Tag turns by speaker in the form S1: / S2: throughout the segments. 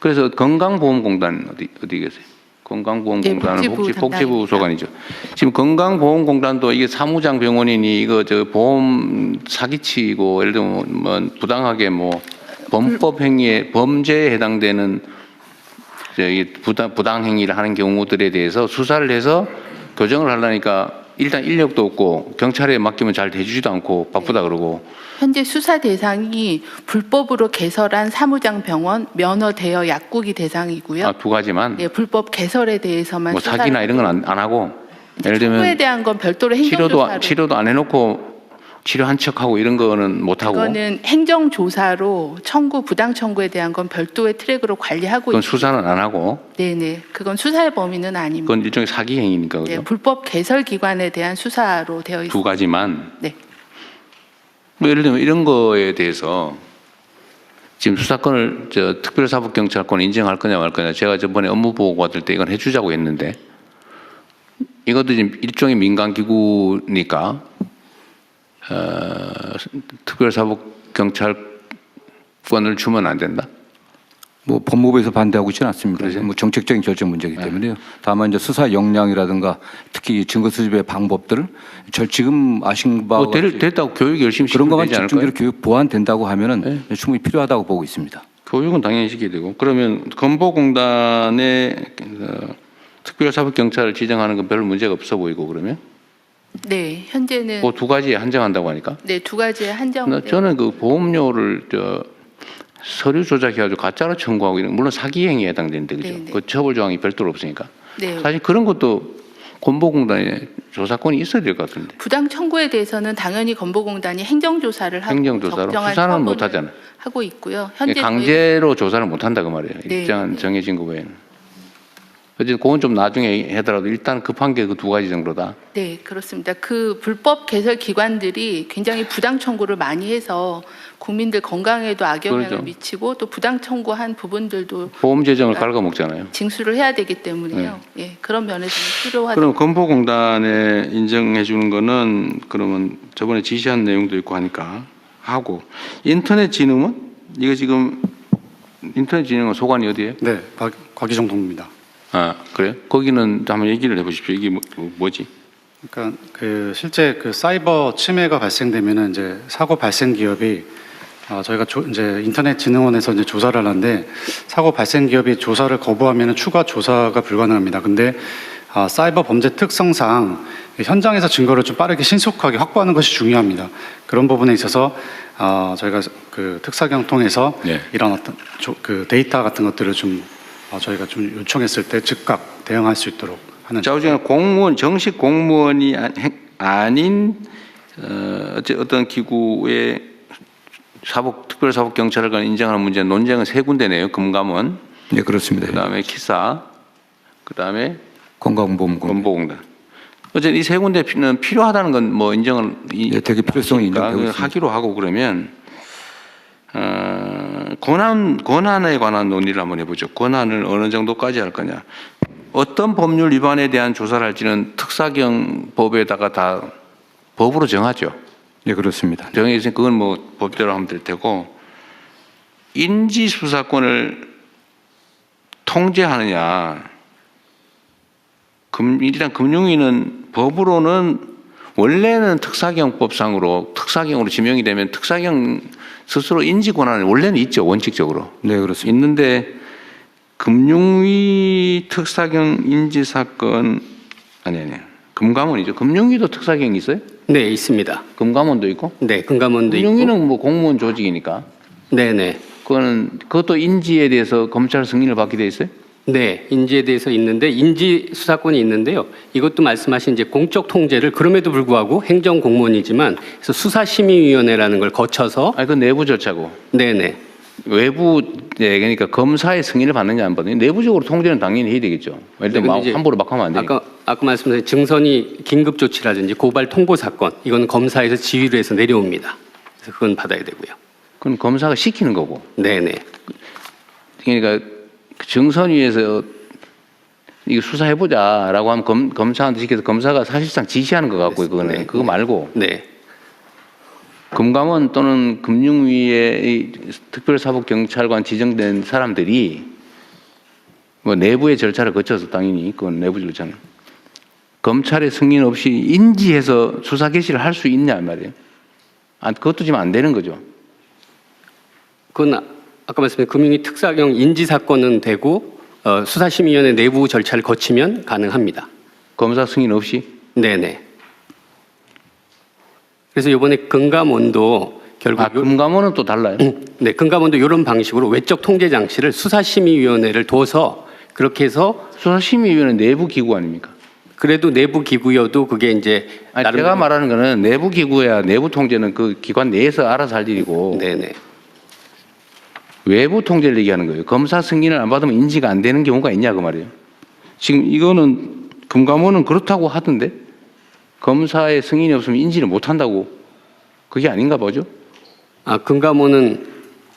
S1: 그래서 건강보험공단 어디 계세요? 건강보험공단은
S2: 네,
S1: 복지부 소관이죠. 지금 건강보험공단도 이게 사무장 병원이니 이거 저 보험 사기치고 예를 들면 뭐 부당하게 뭐 범법 행위에 범죄에 해당되는 저기 부당 행위를 하는 경우들에 대해서 수사를 해서 교정을 하려니까 일단 인력도 없고 경찰에 맡기면 잘 대주지도 않고 바쁘다 그러고.
S2: 현재 수사 대상이 불법으로 개설한 사무장 병원, 면허 대여 약국이 대상이고요.
S1: 아, 두 가지만.
S2: 네, 불법 개설에 대해서만
S1: 뭐 사기나 이런 건 안 하고. 예를 들면
S2: 청구에 대한 건 별도로 행정조사로.
S1: 치료도 안 해놓고 치료한 척하고 이런 거는 못 하고.
S2: 그거는 행정조사로 부당 청구에 대한 건 별도의 트랙으로 관리하고
S1: 그건
S2: 있고.
S1: 수사는 안 하고.
S2: 네네, 그건 수사의 범위는 아닙니다.
S1: 그건 일종의 사기 행위니까 그죠?
S2: 네, 불법 개설 기관에 대한 수사로 되어 있습니다.
S1: 두 가지만.
S2: 네.
S1: 뭐 예를 들면 이런 거에 대해서 지금 수사권을 특별사법경찰권 인정할 거냐 말 거냐 제가 저번에 업무 보고 받을 때 이건 해주자고 했는데 이것도 지금 일종의 민간기구니까 특별사법경찰권을 주면 안 된다.
S3: 뭐 법무부에서 반대하고 있지는 않습니다.
S1: 그러세요?
S3: 뭐 정책적인 결정 문제이기 때문에요. 다만 이제 수사 역량이라든가 특히 증거 수집의 방법들을 지금 아신 바와 같이
S1: 됐다고 교육 열심히
S3: 그런
S1: 시키면
S3: 것만
S1: 되지 않을까요?
S3: 집중적으로 교육 보완된다고 하면은 충분히 필요하다고 보고 있습니다.
S1: 교육은 당연히 시켜야 되고 그러면 건보공단에 특별사법경찰을 지정하는 건 별로 문제가 없어 보이고 그러면
S2: 네, 현재는
S1: 그 두 가지에 한정한다고 하니까
S2: 네, 두 가지의 한정.
S1: 저는 그 보험료를 서류 조작해가지고 가짜로 청구하고 이런 물론 사기 행위에 해당되는데 그죠?
S2: 네네.
S1: 그 처벌 조항이 별도로 없으니까
S2: 네.
S1: 사실 그런 것도 건보공단에 조사권이 있어야 될 것 같은데
S2: 부당 청구에 대해서는 당연히 건보공단이 행정조사를 하고
S1: 행정조사로
S2: 적정한
S1: 수사는
S2: 처분을
S1: 못 하잖아요.
S2: 하고 있고요. 현재
S1: 강제로 조사를 못 한다 그 말이에요.
S2: 네.
S1: 일정한 정해진 거 외에는. 어쨌든 그건 좀 나중에 하더라도 일단 급한 게 그 두 가지 정도다.
S2: 네, 그렇습니다. 그 불법 개설 기관들이 굉장히 부당 청구를 많이 해서 국민들 건강에도 악영향을
S1: 그렇죠.
S2: 미치고 또 부당 청구한 부분들도
S1: 보험 재정을 갉아먹잖아요.
S2: 징수를 해야 되기 때문에요. 예, 그런 면에서는 필요하다.
S1: 그럼 건보공단에 인정해 주는 거는 그러면 저번에 지시한 내용도 있고 하니까 하고 인터넷진흥원 이거 지금 인터넷진흥원 소관이 어디예요?
S4: 네, 곽기정 동입니다.
S1: 아 그래요? 거기는 한번 얘기를 해보십시오. 이게 뭐지?
S4: 그러니까 그 실제 그 사이버 침해가 발생되면은 이제 사고 발생 기업이 저희가 이제 인터넷진흥원에서 이제 조사를 하는데 사고 발생 기업이 조사를 거부하면은 추가 조사가 불가능합니다. 근데 사이버 범죄 특성상 현장에서 증거를 좀 빠르게 신속하게 확보하는 것이 중요합니다. 그런 부분에 있어서 저희가 그 특사경 통해서
S1: 네. 이런
S4: 어떤 그 데이터 같은 것들을 좀 저희가 좀 요청했을 때 즉각 대응할 수 있도록 하는.
S1: 좌우지간 공무원 정식 공무원이 아닌 어떤 기구의 특별사법경찰관 인정하는 문제 논쟁은 세 군데네요. 금감원,
S3: 네, 그렇습니다.
S1: 그다음에 키사, 그다음에
S3: 건강보험공단.
S1: 건보공단. 어쨌든 이 세 군데는 필요하다는 건 뭐 인정을
S3: 네, 되게 필요성이 인정되고 있습니다.
S1: 하기로 하고 그러면 권한에 관한 논의를 한번 해보죠. 권한을 어느 정도까지 할 거냐. 어떤 법률 위반에 대한 조사를 할지는 특사경법에다가 다 법으로 정하죠.
S3: 네, 그렇습니다.
S1: 정해서 그건 뭐 법대로 하면 될 테고 인지수사권을 통제하느냐. 일단 금융위는 법으로는 원래는 특사경법상으로 특사경으로 지명이 되면 특사경 스스로 인지 권한은 원래는 있죠. 원칙적으로.
S3: 네, 그렇습니다.
S1: 있는데 금융위 특사경 인지사건 아니 금감원이죠. 금융위도 특사경이 있어요?
S5: 네, 있습니다.
S1: 금감원도 있고?
S5: 네, 금감원도 있고.
S1: 금융위는 뭐 공무원 조직이니까.
S5: 네네.
S1: 그것도 인지에 대해서 검찰 승인을 받게 돼 있어요?
S5: 네, 인지에 대해서 있는데 인지 수사권이 있는데요. 이것도 말씀하신 이제 공적 통제를 그럼에도 불구하고 행정 공무원이지만 그래서 수사심의위원회라는 걸 거쳐서.
S1: 아니 그 내부 절차고.
S5: 네네.
S1: 외부 그러니까 검사의 승인을 받느냐 안 받느냐 내부적으로 통제는 당연히 해야 되겠죠. 예를 들면
S5: 이제
S1: 함부로 막 하면 안 되니까.
S5: 아까 말씀드린 증선이 긴급 조치라든지 고발 통보 사건 이건 검사에서 지휘를 해서 내려옵니다. 그래서 그건 받아야 되고요.
S1: 그건 검사가 시키는 거고.
S5: 네네.
S1: 그러니까 증선위에서 이거 수사해보자라고 하면 검사한테 시켜서 검사가 사실상 지시하는 것 같고요. 그거는
S5: 네,
S1: 그거 말고
S5: 네.
S1: 금감원 또는 금융위의 특별사법경찰관 지정된 사람들이 뭐 내부의 절차를 거쳐서 당연히 그건 내부 절차는 검찰의 승인 없이 인지해서 수사 개시를 할 수 있냐 말이에요. 그것도 지금 안 되는 거죠.
S5: 그건 아까 말씀드린 금융위 특사경 인지 사건은 되고 수사심의위원회 내부 절차를 거치면 가능합니다.
S1: 검사 승인 없이?
S5: 네네. 그래서 이번에 금감원도 결국
S1: 금감원은 또 달라요.
S5: 네, 금감원도 이런 방식으로 외적 통제 장치를 수사심의위원회를 둬서 그렇게 해서
S1: 수사심의위원회 내부 기구 아닙니까?
S5: 그래도 내부 기구여도 그게 이제
S1: 제가 말하는 거는 내부 기구야 내부 통제는 그 기관 내에서 알아서 할 일이고
S5: 네네.
S1: 외부 통제를 얘기하는 거예요. 검사 승인을 안 받으면 인지가 안 되는 경우가 있냐 그 말이에요. 지금 이거는 금감원은 그렇다고 하던데 검사의 승인이 없으면 인지를 못 한다고 그게 아닌가 보죠?
S5: 금감원은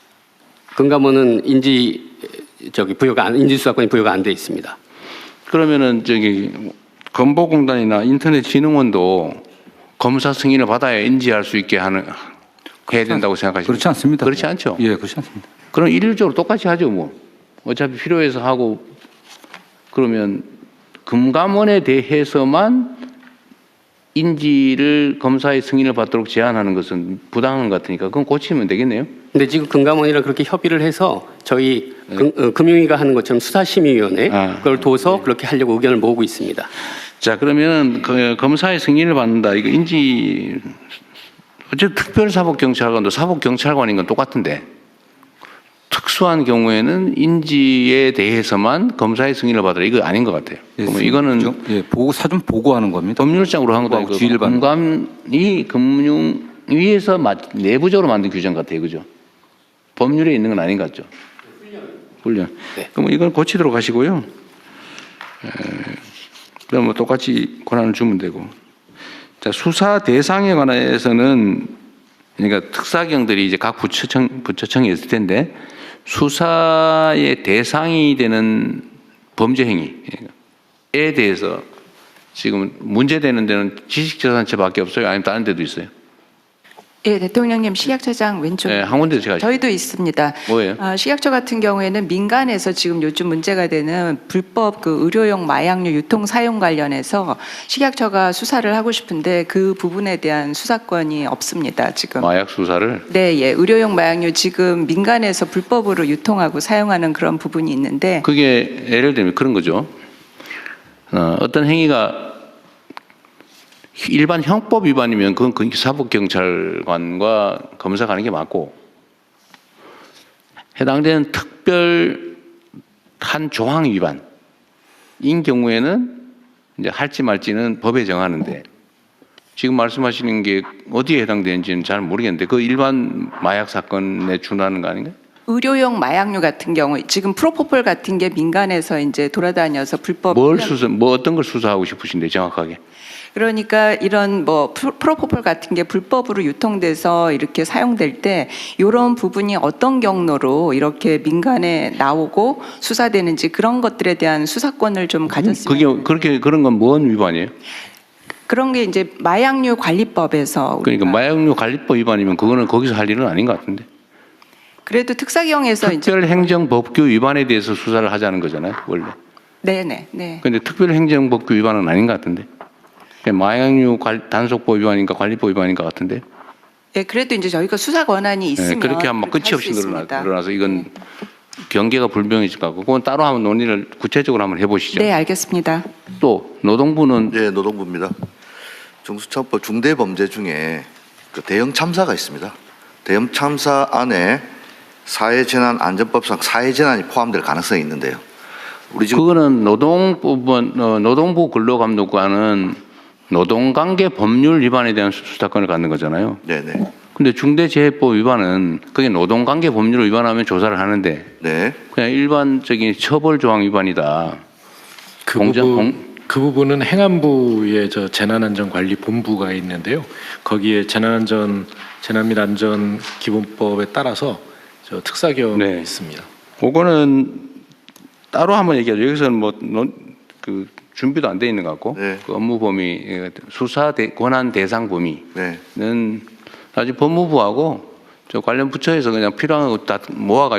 S5: 인지 수사권이 부여가 안 돼 있습니다.
S1: 그러면은 건보공단이나 인터넷진흥원도 검사 승인을 받아야 인지할 수 있게 해야 된다고 생각하십니까?
S3: 그렇지 않습니다.
S1: 그렇지 않죠?
S3: 예, 그렇지 않습니다.
S1: 그럼 일률적으로 똑같이 하죠, 뭐. 어차피 필요해서 하고 그러면 금감원에 대해서만 인지를 검사의 승인을 받도록 제한하는 것은 부당한 것 같으니까 그건 고치면 되겠네요.
S5: 근데 지금 금감원이랑 그렇게 협의를 해서 저희 금융위가 하는 것처럼 수사심의위원회 그걸 둬서 그렇게 하려고 의견을 모으고 있습니다.
S1: 자, 그러면 그 검사의 승인을 받는다. 이거 인지 어쨌든 특별사법경찰관도 사법경찰관인 건 똑같은데 특수한 경우에는 인지에 대해서만 검사의 승인을 받으라. 이거 아닌 것 같아요. 그러면 이거는
S3: 사전 보고하는 겁니다.
S1: 법률상으로 한 것도 아니고
S3: 지휘를 받는
S1: 금감이 금융위에서 내부적으로 만든 규정 같아요. 그죠? 법률에 있는 건 아닌 것 같죠? 훈련.
S5: 네.
S1: 그럼 이건 고치도록 하시고요. 그럼 뭐 똑같이 권한을 주면 되고. 자, 수사 대상에 관해서는 그러니까 특사경들이 이제 각 부처청이 있을 텐데 수사의 대상이 되는 범죄 행위에 대해서 지금 문제되는 데는 지식재산처밖에 없어요? 아니면 다른 데도 있어요?
S6: 예, 대통령님 식약처장 왼쪽.
S1: 네, 한 군데 제가
S6: 저희도 있습니다.
S1: 뭐예요?
S6: 식약처 같은 경우에는 민간에서 지금 요즘 문제가 되는 불법 그 의료용 마약류 유통 사용 관련해서 식약처가 수사를 하고 싶은데 그 부분에 대한 수사권이 없습니다. 지금.
S1: 마약 수사를
S6: 네, 예, 의료용 마약류 지금 민간에서 불법으로 유통하고 사용하는 그런 부분이 있는데.
S1: 그게 예를 들면 그런 거죠. 어떤 행위가 일반 형법 위반이면 그건 사법경찰관과 검사가 하는 게 맞고 해당되는 특별한 조항 위반인 경우에는 이제 할지 말지는 법에 정하는데 지금 말씀하시는 게 어디에 해당되는지는 잘 모르겠는데 그 일반 마약 사건에 준하는 거 아닌가요?
S6: 의료용 마약류 같은 경우 지금 프로포폴 같은 게 민간에서 이제 돌아다녀서 불법
S1: 어떤 걸 수사하고 싶으신데 정확하게?
S6: 그러니까 이런 뭐 프로포폴 같은 게 불법으로 유통돼서 이렇게 사용될 때 이런 부분이 어떤 경로로 이렇게 민간에 나오고 수사되는지 그런 것들에 대한 수사권을 좀 가졌으면.
S1: 그런 건 뭔 위반이에요?
S6: 그런 게 이제 마약류 관리법에서.
S1: 그러니까 마약류 관리법 위반이면 그거는 거기서 할 일은 아닌 것 같은데.
S6: 그래도 특사경에서 이제.
S1: 특별행정법규 위반에 대해서 수사를 하자는 거잖아요, 원래.
S6: 네네. 네.
S1: 그런데 특별행정법규 위반은 아닌 것 같은데. 마약류 단속법 위반인가 관리법 위반인 것 같은데.
S6: 네, 그래도 이제 저희가 수사 권한이 있으면.
S1: 그렇게 하면 끝이 없이 늘어나서 이건 경계가 불명해질 것 같고 그건 따로 한번 논의를 구체적으로 한번 해보시죠.
S6: 네, 알겠습니다.
S1: 또 노동부는
S7: 네, 노동부입니다. 정수처벌 중대범죄 중에 그 대형 참사가 있습니다. 대형 참사 안에 사회재난안전법상 사회재난이 포함될 가능성이 있는데요. 우리 지금
S1: 그거는 노동부 근로감독관은 노동관계 법률 위반에 대한 수사권을 갖는 거잖아요.
S7: 네네.
S1: 근데 중대재해법 위반은 그게 노동관계 법률을 위반하면 조사를 하는데
S7: 네.
S1: 그냥 일반적인 처벌 조항 위반이다.
S8: 그 부분은 행안부의 재난안전관리본부가 있는데요. 거기에 재난 및 안전 기본법에 따라서 특사경이
S1: 네.
S8: 있습니다.
S1: 그거는 따로 한번 얘기하죠. 여기서는 그 준비도 안 돼 있는 것 같고
S7: 네.
S1: 그 업무 범위, 수사 권한 대상 범위는
S7: 네.
S1: 아직 법무부하고 저 관련 부처에서 그냥 필요한 거 다 모아가지고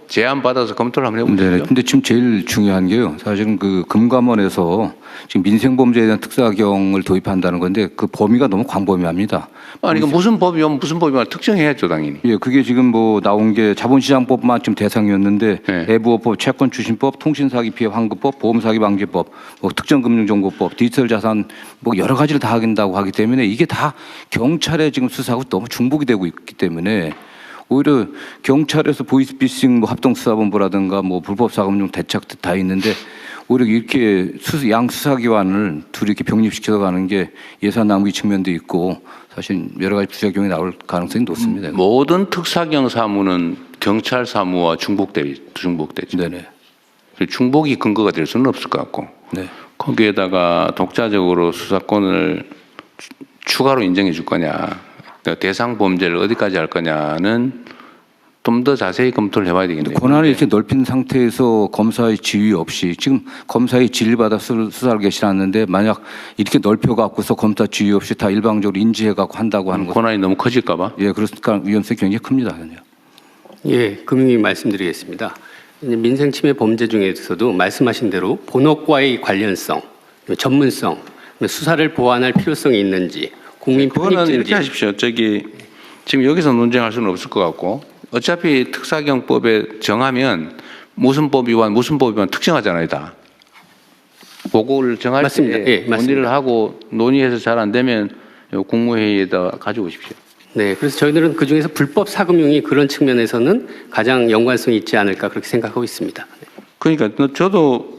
S1: 제안 받아서 검토를 한번 해보시죠.
S3: 네. 근데 지금 제일 중요한 게요. 사실은 그 금감원에서 지금 민생범죄에 대한 특사경을 도입한다는 건데 그 범위가 너무 광범위합니다.
S1: 아니 이거 무슨 법이면 무슨 법이면 특정해야죠 당연히.
S3: 예, 그게 지금 뭐 나온 게 자본시장법만 지금 대상이었는데
S1: 네.
S3: 애부업법, 채권추진법, 통신사기 피해 환급법, 보험사기 방지법, 뭐 특정금융정보법, 디지털자산 뭐 여러 가지를 다 하긴다고 하기 때문에 이게 다 경찰의 지금 수사하고 너무 중복이 되고 있기 때문에 오히려 경찰에서 보이스피싱 뭐 합동수사본부라든가 뭐 불법사금융 대책 다 있는데 오히려 이렇게 양 수사기관을 둘이 이렇게 병립시켜서 가는 게 예산 낭비 측면도 있고 사실 여러 가지 부작용이 나올 가능성이 높습니다.
S1: 모든 특사경 사무는 경찰 사무와 중복되죠.
S3: 네네.
S1: 중복이 근거가 될 수는 없을 것 같고
S3: 네.
S1: 거기에다가 독자적으로 수사권을 추가로 인정해 줄 거냐, 그러니까 대상 범죄를 어디까지 할 거냐는 좀 더 자세히 검토를 해봐야 되겠네요.
S3: 권한을 이렇게 넓힌 상태에서 검사의 지휘 없이 지금 검사의 지휘를 받아 수사를 개시하는데 만약 이렇게 넓혀갖고서 검사 지휘 없이 다 일방적으로 인지해갖고 한다고 하는 것.
S1: 권한이 너무 커질까봐.
S3: 예, 그러니까 위험성이 굉장히 큽니다.
S5: 예, 금융위 말씀드리겠습니다. 이제 민생침해 범죄 중에서도 말씀하신 대로 본업과의 관련성, 전문성, 수사를 보완할 필요성이 있는지, 국민
S1: 그거는
S5: 편익인지.
S1: 이렇게 하십시오. 지금 여기서 논쟁할 수는 없을 것 같고 어차피 특사경법에 정하면 무슨 법위반 특정하잖아요, 다. 그거를 정할
S5: 맞습니다.
S1: 때
S5: 예, 맞습니다.
S1: 논의를 하고 논의해서 잘 안 되면 국무회의에다 가져오십시오.
S5: 네, 그래서 저희들은 그 중에서 불법 사금융이 그런 측면에서는 가장 연관성이 있지 않을까 그렇게 생각하고 있습니다.
S1: 그러니까 저도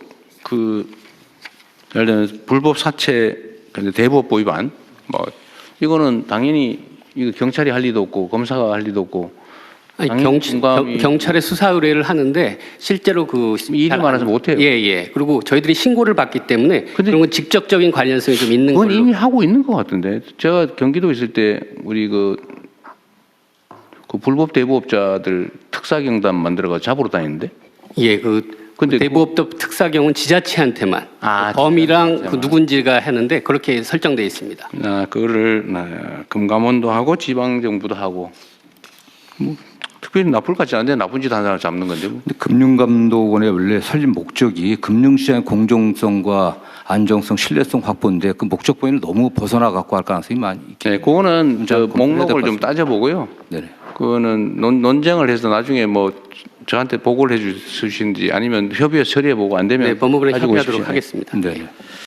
S1: 예를 들면 불법 사채, 근데 대법보 위반 뭐 이거는 당연히 이거 경찰이 할 리도 없고 검사가 할 리도 없고.
S5: 아니,
S1: 당연히 공감이-
S5: 경찰에 수사 의뢰를 하는데 실제로 그
S1: 일이 많아서 못해요.
S5: 예. 그리고 저희들이 신고를 받기 때문에
S1: 근데
S5: 그런 건 직접적인 관련성이 좀 있는
S1: 그건
S5: 걸로.
S1: 이미 하고 있는 것 같은데. 제가 경기도 있을 때 우리 그 불법 대부업자들 특사경단 만들어가 잡으러 다니는데.
S5: 예, 근데
S1: 근데
S5: 대부업법 특사경은 지자체한테만 범이랑 그
S1: 지자체한테만.
S5: 누군지가 하는데 그렇게 설정돼 있습니다.
S1: 그거를 금감원도 하고 지방 정부도 하고 뭐 특별히 나쁠 것 같지 않은데 나쁜 짓 한 사람 잡는 건데 뭐.
S3: 근데 금융감독원의 원래 설립 목적이 금융시장의 공정성과 안정성, 신뢰성 확보인데 그 목적 범위를 너무 벗어나 갖고 할 가능성이 많이 있기
S1: 네, 그거는 저
S3: 검토해야 될것
S1: 목록을 좀
S3: 같습니다.
S1: 따져보고요.
S3: 네네.
S1: 그거는 논쟁을 해서 나중에 뭐 저한테 보고를 해주시는지 아니면 협의해서 처리해보고 안 되면
S5: 네, 법무부에
S1: 가지고
S5: 협의하도록
S1: 오십시오.
S5: 하겠습니다.
S3: 네.